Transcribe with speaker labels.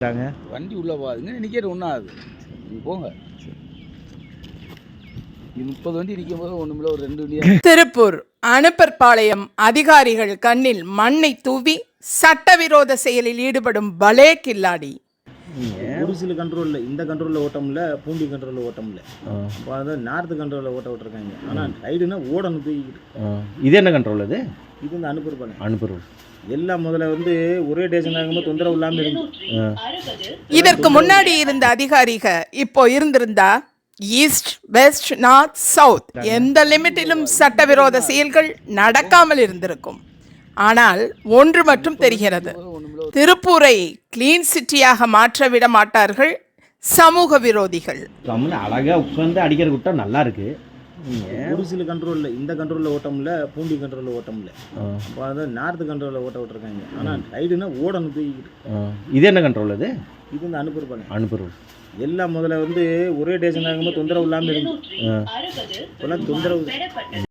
Speaker 1: வண்டி உள்ள போகாதுங்க, நிற்கிற ஒன்றும் ஆகுது. நீங்கள் போங்க. இது 30 வண்டி நிற்கும் போது ஒன்றுமில்ல, ஒரு 2 வண்டியா.
Speaker 2: திருப்பூர் அனுப்பர்பாளையம் அதிகாரிகள் கண்ணில் மண்ணை தூவி சட்டவிரோத செயலில் ஈடுபடும் பலே கில்லாடி.
Speaker 3: ஒரு சில கண்ட்ரோலில் இந்த கண்ட்ரோலில் ஓட்ட முடியல, பூண்டி கண்ட்ரோலில் ஓட்ட முடியல. இப்போ அதாவது நார்த்து கண்ட்ரோலில் ஓட்ட விட்டுருக்காங்க. ஆனால் ரைடுனா ஓடணும் தூக்கிட்டு.
Speaker 4: இது என்ன கண்ட்ரோல்?
Speaker 3: இது இந்த அனுப்பர்
Speaker 4: அனுப்புறோம்
Speaker 3: எல்லாம் முதல்ல ஒரே டேஷன் ஆகும்போது தொந்தரவு இல்லாமல் இருக்கு.
Speaker 2: இதற்கு முன்னாடி இருந்த அதிகாரிக இப்போ இருந்திருந்தா ஈஸ்ட் வெஸ்ட் நார்த் சவுத் எந்த லிமிட்டிலும் சட்டவிரோத செயல்கள் நடக்காமல் இருந்திருக்கும். ஆனால் ஒன்று மட்டும் தெரிகிறது, திருப்பூரை கிளீன் சிட்டியாக மாற்ற விட மாட்டார்கள் சமூக விரோதிகள்.
Speaker 4: அழகா உட்காந்து அடிக்கிற விட்டா நல்லா இருக்கு.
Speaker 3: ஒரு சில கண்ட்ரோலில் இந்த கண்ட்ரோலில் ஓட்ட முடியல, பூண்டி கண்ட்ரோலில் ஓட்ட முடியல. இப்போ அதாவது நார்த்து கண்ட்ரோலில் ஓட்ட விட்டுருக்காங்க. ஆனால் ரைடுனா ஓடணும் தூக்கிட்டு.
Speaker 4: இது என்ன கண்ட்ரோல்?
Speaker 3: இது இந்த
Speaker 4: அனுப்புறோம்
Speaker 3: எல்லாம் முதல்ல ஒரே டேஷன் ஆகும்போது தொந்தரவு இல்லாமல் இருக்கு. இப்போலாம் தொந்தரவு.